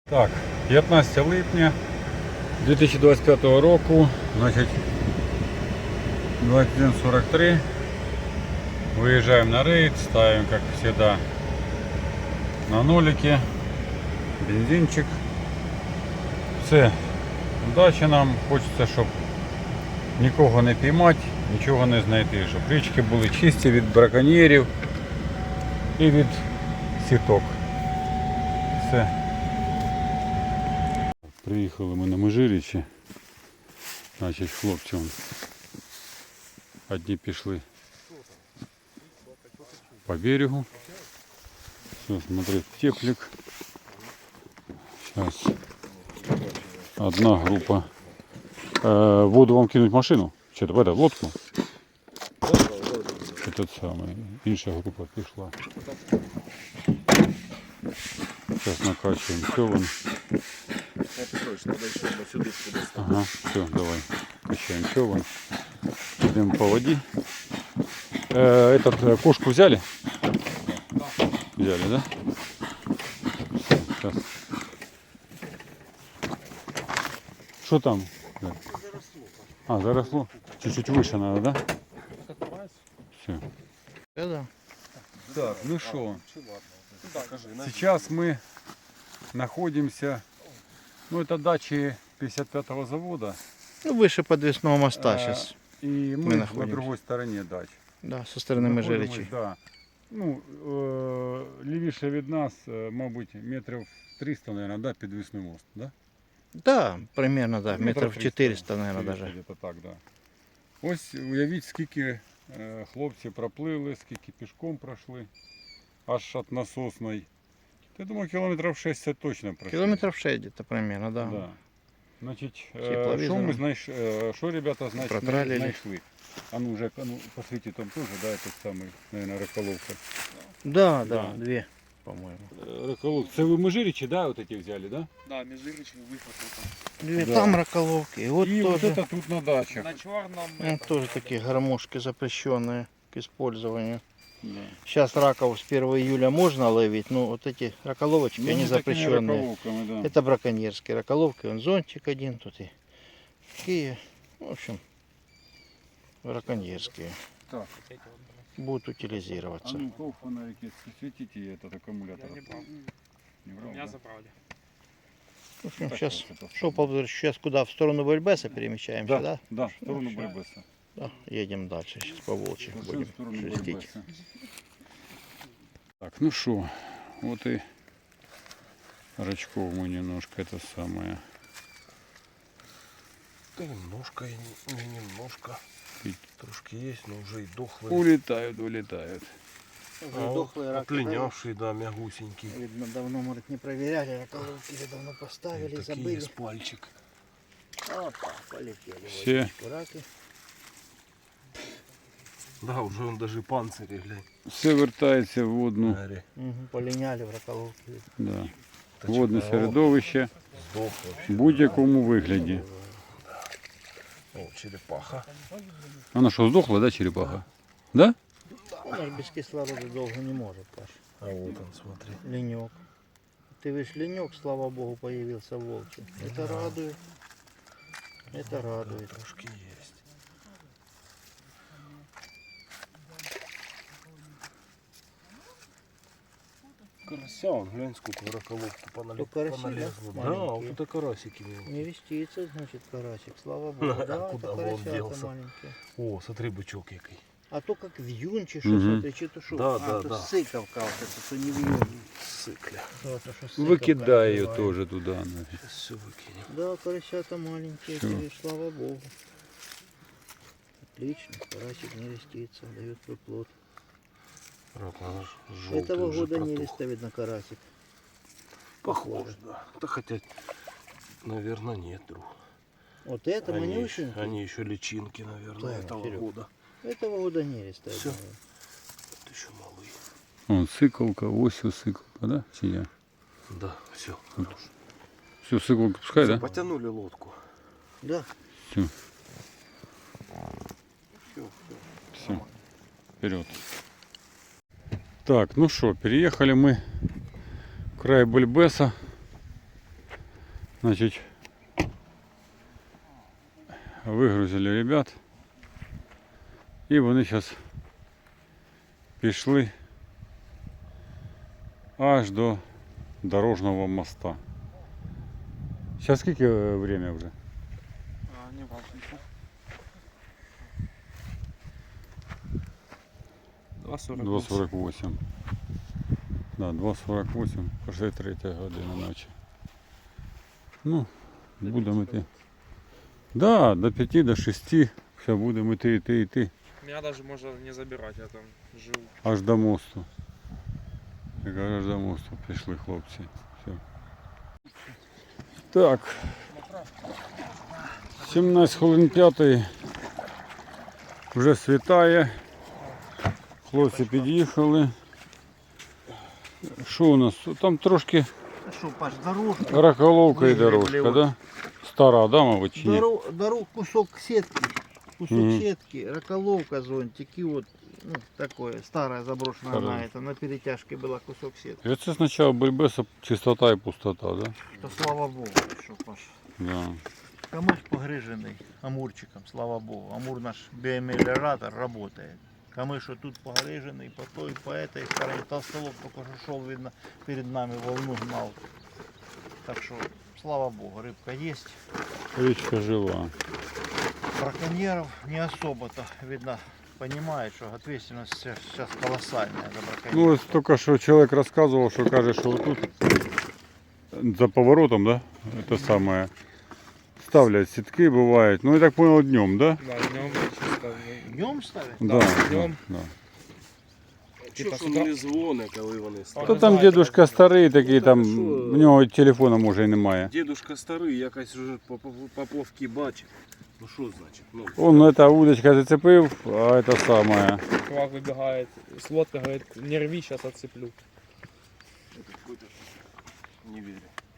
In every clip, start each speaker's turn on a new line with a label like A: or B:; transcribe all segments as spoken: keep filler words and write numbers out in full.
A: Так, п'ятнадцяте липня дві тисячі двадцять п'ятого року, значить двадцять один сорок три. Выезжаем на рейд, ставим, как всегда, на нолике, бензинчик. Все, удачі нам, хочеться, щоб нікого не піймати, нічого не знайти, щоб річки були чисті від браконьєрів і від сіток. Все. Приїхали ми на Межирічі, значить хлопці вон, одні пішли по берегу. Все, смотри, теплик. Сейчас одна группа. Э, воду вам кинуть в машину? Что-то в это, в лодку? Этот самый. Інша группа пішла. Сейчас накачиваем човен. Ага, все, давай. Качаем човен. Идем по воде. Э, этот, э, кошку взяли? Взяли, да? Все, сейчас. Что там? А, заросло? Чуть-чуть выше надо, да? Все.
B: Да.
A: Так, ну что? Сейчас мы находимся, ну это дачи пятьдесят пятого завода.
B: Ну, выше подвесного моста сейчас.
A: И мы,
B: мы
A: на
B: находимся.
A: другой стороне дач.
B: Да, со стороны
A: Находимось,
B: Межирічі.
A: да. Ну, е, лівіше від нас, е, мабуть, метрів триста, наверное, да, підвісний мост, да?
B: Да, примерно, да,
A: Метрів
B: метров
A: триста,
B: четыреста, наверное,
A: четыреста,
B: даже.
A: где-то так, да. Ось уявіть, скільки е, хлопці проплили, скільки пішком пройшли, аж від насосної. Я думаю, кілометрів шістдесят точно пройшли.
B: Километров шесть где-то примерно, да.
A: Да. Значить, е,
B: Тепловізором.
A: що ми знайшли, е, що ребята значить,
B: Протралили.
A: знайшли? А ну, вже, а ну, посвіті там теж, да, этот самий, наверное, раколовка.
B: Да,
A: Да.
B: да, две, по-моему.
A: Раколовка. Це ви Межирічі, да, вот эти взяли, да?
C: Да, межирічний виход вот там.
B: Две,
A: Да.
B: там раколовки. И вот
A: И вот
B: тоже,
A: это тут на дачах.
C: На чорному.
B: ну, тоже такие гармошки запрещенные к использованию.
A: Да.
B: Сейчас раков с первого июля можно ловить, но вот эти раколовочки,
A: Ну,
B: они
A: не такими
B: запрещенные.
A: раколовками, да.
B: Это браконьерские раколовки, вон зонтик один тут и такие, в общем, браконьерские.
A: Так.
B: Будут
A: А
B: утилизироваться.
A: ну, то фонарики светите этот аккумулятор.
C: Я не брал.
A: Не брал,
C: Меня
A: да?
C: забрали.
B: В общем,
A: Так,
B: сейчас,
A: вот это
B: что, Павлович, сейчас куда? В сторону Бельбеса перемещаемся, да?
A: Да, да, в сторону
B: Ну,
A: Барбеса.
B: Да, едем дальше, сейчас по Волчьих
A: В
B: будем
A: сторону
B: шерстить.
A: Барбеса. Так, ну что, вот и рачков мы немножко это самое.
D: Да немножко, и не, не немножко.
A: И-
D: Трошки есть, но уже и дохлые.
A: Улетают, улетают.
D: А вот отлинявший, да, мягусенький.
B: Видно, давно, может, не проверяли, раколовки или давно поставили,
D: Такие
B: забыли.
D: с пальчик.
B: Опа, полетели в
A: Все.
B: водичку раки.
D: Да, уже он даже панцири, глянь.
A: Все вертається в водну,
D: Смотри.
B: Угу, полиняли в раколовки.
A: да.
D: Та
A: Водне
D: чекай,
A: середовище
D: о, Сдох
A: в
D: вообще.
A: будь-якому вигляді.
D: О, черепаха.
A: Вона що, здохла, да, черепаха? Да?
B: Она ж без кислорода долго не может, Паш.
D: А вот он, смотри.
B: Ленек. Ты видишь, ленек, слава богу, появился в Волчьем. Это радует. Это радует.
D: Трошки есть. Карася, он, глянь, сколько в раколовку понали...
B: То караси,
D: поналезло.
B: да?
D: Да, вот
B: Маленькие.
D: это карасики мелкие.
B: Не вестится, значит, карасик, слава богу. Да,
D: Куда
B: это
D: бы он
B: карасята
D: делся?
B: маленькие.
D: О, смотри, бычок який.
B: А то как вьюн, чи що,
A: Мгм.
B: смотри, чи то що.
D: Да,
B: а,
D: да,
B: то
D: да.
B: сиковка, вот это, то не вьюн.
D: Сыкля.
B: То, то, що сиковка
A: Викидай її
B: називається.
A: теж туди. нафіг.
D: Сейчас все выкинем.
B: Да, карасята маленькие,
A: Всё.
B: ты видишь, слава богу. Отлично, карасик не рестится, дает выплод.
D: Рак, надо ж желтый
B: Этого
D: уже
B: года не
D: протух.
B: реста, видно, карасик.
D: Похоже, да. Да хотя, наверное, нет, друг.
B: Вот это
D: Они,
B: манюсенький.
D: они еще личинки, наверное,
B: Да,
D: этого
B: Серег.
D: года.
B: Этого года не реста, я
D: Всё.
B: думаю.
D: Вот еще малые.
A: Вон сиколка, ось ось сиколка, да? Чи я?
D: Да, все.
A: Все, сиколка пускай, да?
D: Потянули лодку.
B: Да.
A: Все,
D: Все, все.
A: все. Вперед. Так, ну что, переехали мы в край Бельбеса. Значить, вигрузили ребят. І вони зараз пішли аж до дорожного моста. Сейчас скільки е, время вже?
C: А, не важно. два сорок.
A: два сорок восемь. Да, два сорок восемь, вже третя година ночі. Ну, будемо йти. Да, до п'яти, до шести. Все, будемо йти, йти, йти.
C: Меня даже можно не забирать, я там живу.
A: Аж до мосту. Я кажу, аж до мосту пішли хлопці. Все. Так. сімнадцять хвилин п'ятої. Вже світає. Хлопці під'їхали. Що у нас? Там трошки
B: А що, Паш, дорожка?
A: раколовка і
B: Вигребли
A: дорожка,
B: от.
A: да? Стара, да, мабуть, чи ні?
B: Дорог, дорог, кусок сетки. Кусок
A: Мгм.
B: сетки, раколовка, зонтик и вот ну, такое, старая заброшенная
A: Старая.
B: на это, на перетяжке была кусок сетки.
A: І це спочатку бульбеса чистота і пустота, да?
B: То слава богу, що Паш.
A: Да.
B: Камыш погрыженный амурчиком, слава богу. Амур наш биомелиоратор работает. Камыш вот тут погрыженный, по той, по этой стороне. Толстолоб только что шел, видно, перед нами волну гнал. Так что, слава богу, рыбка есть.
A: Річка жива.
B: Браконьеров не особо-то, видно, понимает, что ответственность сейчас колоссальная за браконьеров.
A: Ну, ось тільки що чоловік розказував, що каже, що тут за поворотом, да? Это самое. Ставлять сітки бувають. Ну, я так понял, днем, да?
C: Да, днем чисто.
B: Днем ставят?
A: Да, да,
C: днем.
A: да.
D: Чого ж він не дзвони, коли вони
A: Та
D: ставлять?
A: там дедушка старий такий, там,
D: Ну, так, що?
A: в нього телефона може і немає.
D: Дідушка старий, якась вже поповки бачить. Ну що значить? Ну,
A: Он эта удочка зацепив, а это самое.
C: Чувак выбегает с лодки, говорит, не рви, сейчас отцеплю.
D: это какой-то не вірю.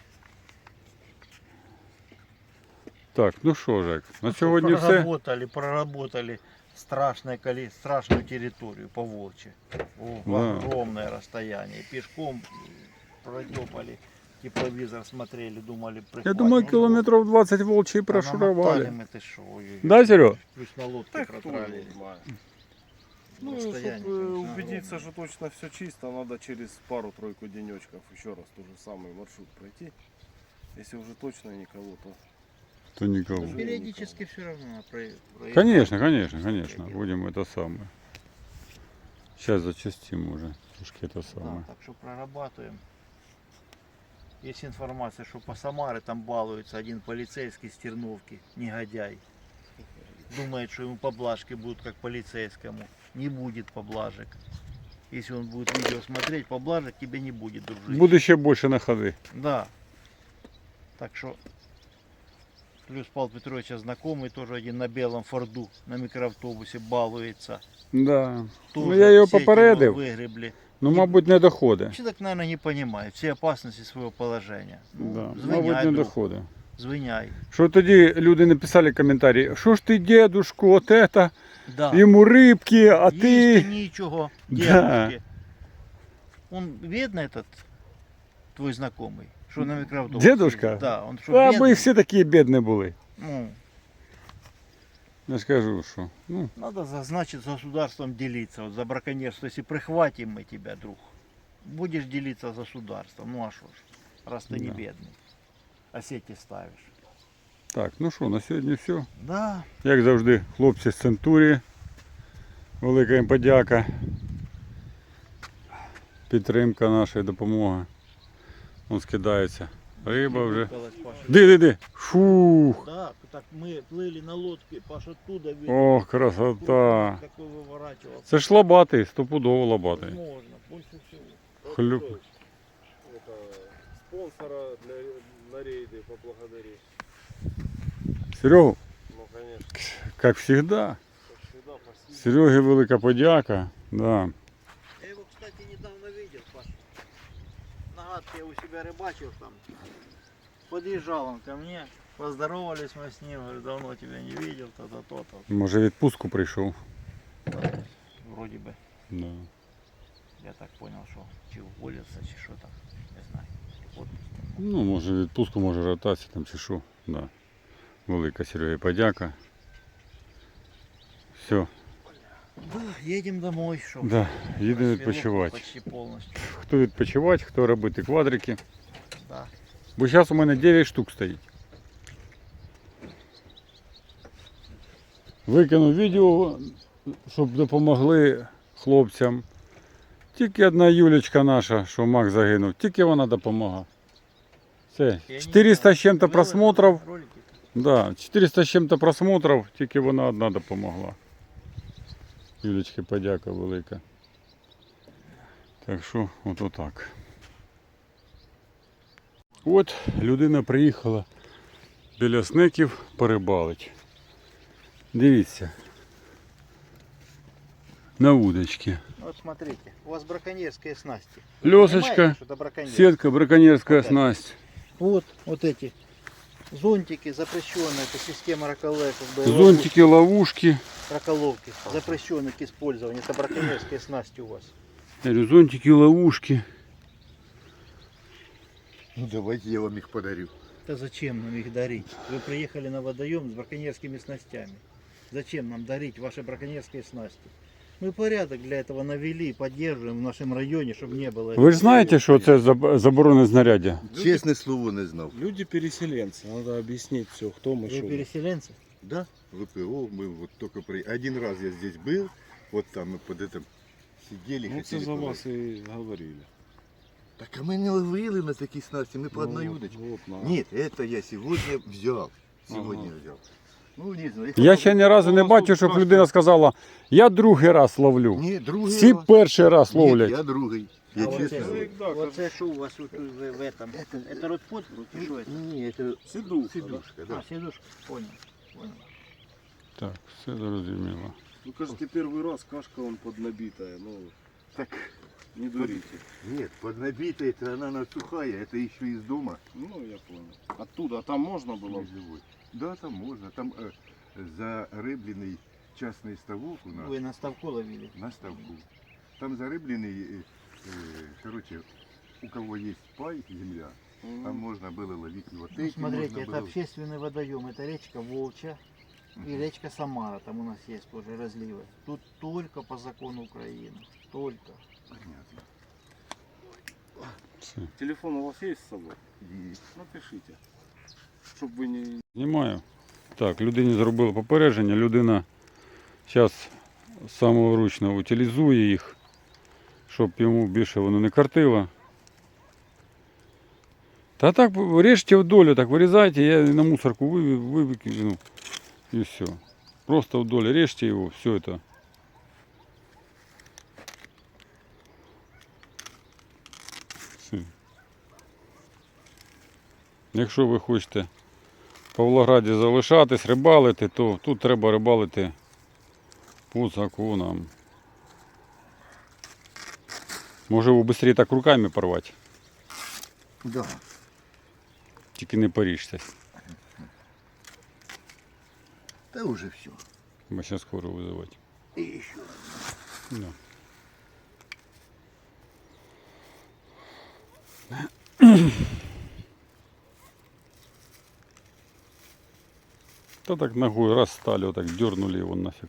A: Так, ну що, Жек, на
B: Ну,
A: сьогодні все.
B: проработали, проработали страшное коли, страшную территорию по Волче. В
A: Да.
B: огромное расстояние. Пешком протопали, тепловизор смотрели, думали
A: Я
B: прихватим.
A: думаю,
B: Ну,
A: километров двадцать волчьи
B: а намотали
A: прошуровали.
B: мы, ты шо, ой-ой.
A: Да, Серег?
B: Плюс на лодке
D: Так хто його
B: протралили.
D: знає. Ну, чтобы
B: Расстояние,
D: э,
B: конечно,
D: убедиться, что точно все чисто, надо через пару-тройку денечков еще раз тот же самый маршрут пройти. Если уже точно никого, то
A: То никого.
B: Ну, периодически все равно надо про- проезжать.
A: Конечно, конечно, конечно. Будем это самое. Сейчас зачастим уже. Трошки это
B: Да,
A: самое.
B: так что прорабатываем. Есть информация, что по Самаре там балуется один полицейский с Терновки, негодяй. Думает, что ему поблажки будут как полицейскому. Не будет поблажек. Если он будет видео смотреть, поблажек тебе не будет, дружище.
A: Буде ще більше на ходи.
B: Да. Так что плюс Павел Петрович знакомый, тоже один на белом Форду, на микроавтобусе балуется.
A: Да.
B: Тоже
A: Ну я його
B: сеть
A: попередив.
B: Выгребли.
A: Ну, мабуть, не доходить.
B: Человек, наверное, не понимает все опасности своего положения. Ну,
A: Да. Мабуть,
B: звиняй,
A: не
B: друг,
A: доходить.
B: звиняй.
A: Що тоді люди написали коментарі, що ж ти, дедушку, от это,
B: Да.
A: йому рибки, а
B: Їсти
A: ти...
B: нічого,
A: Да.
B: дедушке. Он видно этот твой знакомый, что на микроавтобусе?
A: Дедушка?
B: ездит? Да, он что,
A: А
B: бедный?
A: ми всі такі бідні були.
B: Ну,
A: Я скажу, що. Ну,
B: надо, за- значит, с государством делиться. Вот за браконьерство, если прихватим мы тебя, друг, будешь делиться с государством. Ну а что ж, раз ты не
A: Да.
B: бедный, а сети ставишь.
A: так, ну що, на сьогодні все.
B: Да,
A: Як завжди, хлопці з Центурії. Велика їм подяка. Підтримка нашої допомоги. Он скидається. Риба вже.
B: Выколоть, Паша.
A: Ди, ди, ди. Фух.
B: Да, так мы плыли на лодке, Паша оттуда видел.
A: Ох, красота.
B: Такой выворачивал.
A: Це ж лобатий, стопудово лобатий.
B: Можно, больше всего.
A: Хлюп.
D: это, спонсора для, на рейды поблагодарить.
A: Серегу,
D: Ну, конечно,
A: як всегда.
D: как всегда, спасибо.
A: Серегі велика подяка. Да.
B: Я его, кстати, недавно видел, Паша. На гадке я у себя рыбачил там. Подъезжал он ко мне, поздоровались мы с ним, говорю, давно тебя не видел, то-то, то-то.
A: Може відпустку прийшов.
B: Вроде бы,
A: Да.
B: я так понял, что чи уволился, чи что там, не знаю.
A: Ну, може відпустку, може ротацію там чи що. Да. Велика Серега подяка. Все,
B: Да, едем домой, что.
A: да, їдемо
B: Рассвело
A: відпочивати.
B: Почти полностью.
A: Хто відпочивати, хто робити квадрики.
B: Да.
A: Бо зараз у мене дев'ять штук стоїть. Викинув відео, щоб допомогли хлопцям. Тільки одна Юлечка наша, що Мак загинув, тільки вона допомагає. Все,
B: Я не
A: чотириста
B: знаю,
A: з чим-то
B: выложили
A: просмотрів.
B: ролики?
A: Да, чотириста з чим-то просмотрів, тільки вона одна допомогла. Юлечки подяка велика. Так що, от отак. От людина приїхала біля сників порибалить. Дивіться. На удочці.
B: Вот смотрите, у вас браконьерские снасти.
A: Лёсочка,
B: Понимаете, что это браконьер?
A: сетка, браконьерская
B: Да.
A: снасть.
B: Вот, вот эти зонтики запрещенные, это система раколовки,
A: Зонтики, ловушки.
B: раколовки, запрещенные к использованию. Это браконьерские снасти у вас.
A: Я говорю, зонтики, ловушки.
E: Ну давайте я вам их подарю.
B: Да зачем нам их дарить? Вы приехали на водоем с браконьерскими снастями. Зачем нам дарить ваши браконьерские снасти? Мы порядок для этого навели, поддерживаем в нашем районе, чтобы не было.
A: Ви ж знаєте, що це заб- заборонене знаряддя?
E: Честное слово не знал.
D: Люди-переселенцы, надо объяснить все, кто мы,
B: Вы
D: что мы.
B: переселенцы?
E: Да, ВПО, мы вот только при... Один раз я здесь был, вот там мы под этим сидели.
D: Ну, це
E: хотели
D: за
E: половить.
D: вас и говорили.
E: Так а мы не ловили на такие снасти, мы по
D: Ну,
E: одной
D: вот,
E: удочке.
D: вот, на.
E: Нет, это я сегодня взял. Сегодня
D: Ага.
E: взял. Ну не знаю.
A: Я ще ні разу не бачив, щоб людина сказала, я другий раз ловлю.
E: Ні, другий
A: Всі
E: раз.
A: перший раз
E: Ні,
A: ловлять.
E: я другий. Я
B: А вот
E: честно
B: это-
E: говорю.
D: Да,
B: Вот это что у вас вот в, в этом? Это, это ротпот? И что это?
E: Не, это
D: Сидушка,
E: сидушка,
B: А,
E: да.
B: сидушка. Понял. Понял.
A: Так, все зрозуміло.
D: Ну, кажется, первый раз кашка он поднабитая, ну,
E: Так,
D: не дурите.
E: нет, поднабитая, это она она сухая, это еще из дома.
D: Ну, я понял. Оттуда, а там можно было?
E: Не живой. Да, там можно. Там э, зарыбленный частный ставок у нас
B: Вы на ставку ловили?
E: на ставку. Там зарыбленный, э, э, короче, у кого есть пай, земля,
D: Мгм.
E: там можно было ловить его.
B: Ну,
E: Эти
B: смотрите,
E: можно
B: это
E: было-
B: общественный водоем. Это речка Волча и
E: Мгм.
B: речка Самара. Там у нас есть тоже разливы. Тут только по закону Украины. Только.
E: Понятно.
A: Все.
D: Телефон у вас есть с собой?
E: И
D: Напишите. Чтобы вы не...
A: Знімаю. Так, людині зробили попередження, людина зараз самовручно утилізує їх, щоб йому більше воно не картило. Та так, режьте вдоль, так вирізайте, я на мусорку вивів, вивикину і все. Просто вдоль режьте його, все це. Все. Якщо ви хочете в Павлограді залишатись, рибалити, то тут треба рибалити по законам. Може ви швидше так руками порвати,
E: да.
A: тільки не поріжся,
E: Да уже все.
A: бо зараз скоро визивати.
E: И еще.
A: Да. Та так ногой раз стали, вот так дернули его нафиг.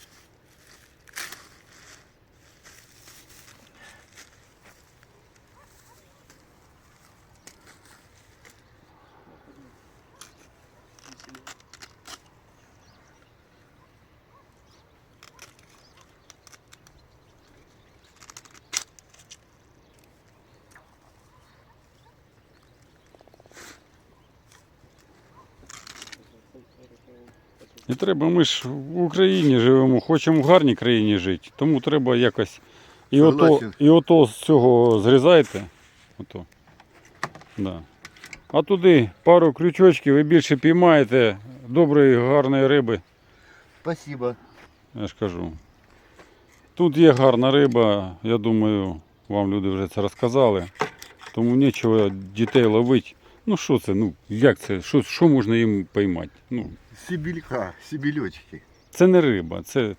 A: І треба, ми ж в Україні живемо, хочемо в гарній країні жити, тому треба якось. І ото,
E: Согласен.
A: і ото з цього зрізайте. Ото. Да. А туди пару крючочків і більше піймаєте доброї, гарної риби.
E: Спасибо.
A: Я ж кажу. Тут є гарна риба, я думаю, вам люди вже це розказали. Тому нічого дітей ловити. Ну що це? Ну як це? Що, що можна їм поймати? Ну,
E: Сибелька, сибелечки.
A: це не риба, це.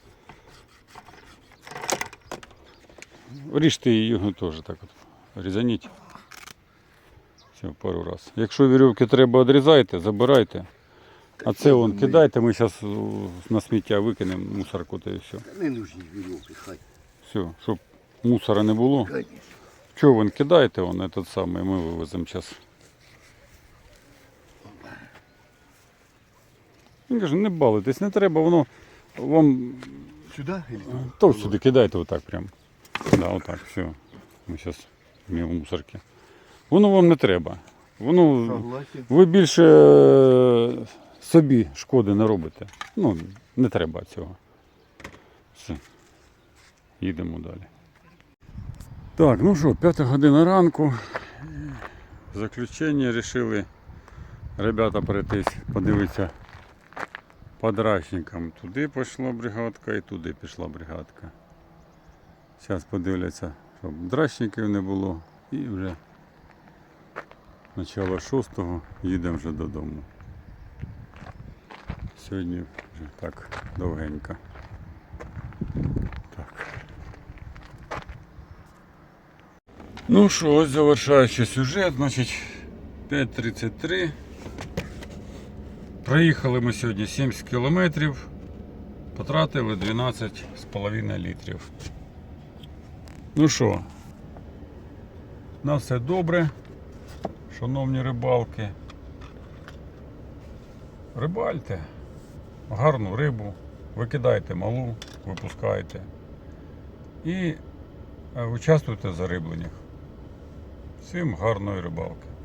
A: Ріжте його теж так от. Різаніть. Все, пару раз. Якщо вірьовки треба, відрізайте, забирайте. А це вон кидайте, ми зараз на сміття викинемо мусорку та і все.
E: Не нужні вірьовки, хай.
A: Все, щоб мусора не було.
E: Конечно.
A: Чого вон кидайте, вон этот самий, ми вивеземо зараз. Він каже, не балуйтесь, не треба, воно вам
E: Сюди? Или туди?
A: то сюди кидайте отак прям. Да, отак, все. Ми зараз в мусорки. Воно вам не треба. Воно
E: Согласен.
A: ви більше е, собі шкоди не робите. Ну, не треба цього. Все. Їдемо далі. Так, ну що, п'ята година ранку. В заключення вирішили ребята пройтись, подивитися по драчникам. Туди пішла бригадка і туди пішла бригадка. Зараз подивляться, щоб драчників не було. І вже начало шостого їдемо вже додому. Сьогодні вже так довгенько. Так. Ну що, ось завершаючи сюжет, значить п'ять тридцять три. Проїхали ми сьогодні сімдесят кілометрів, потратили дванадцять з половиною літрів. Ну що, на все добре, шановні рибалки. Рибальте гарну рибу, викидайте малу, випускайте і участвуйте в зарибленнях. Всім гарної рибалки.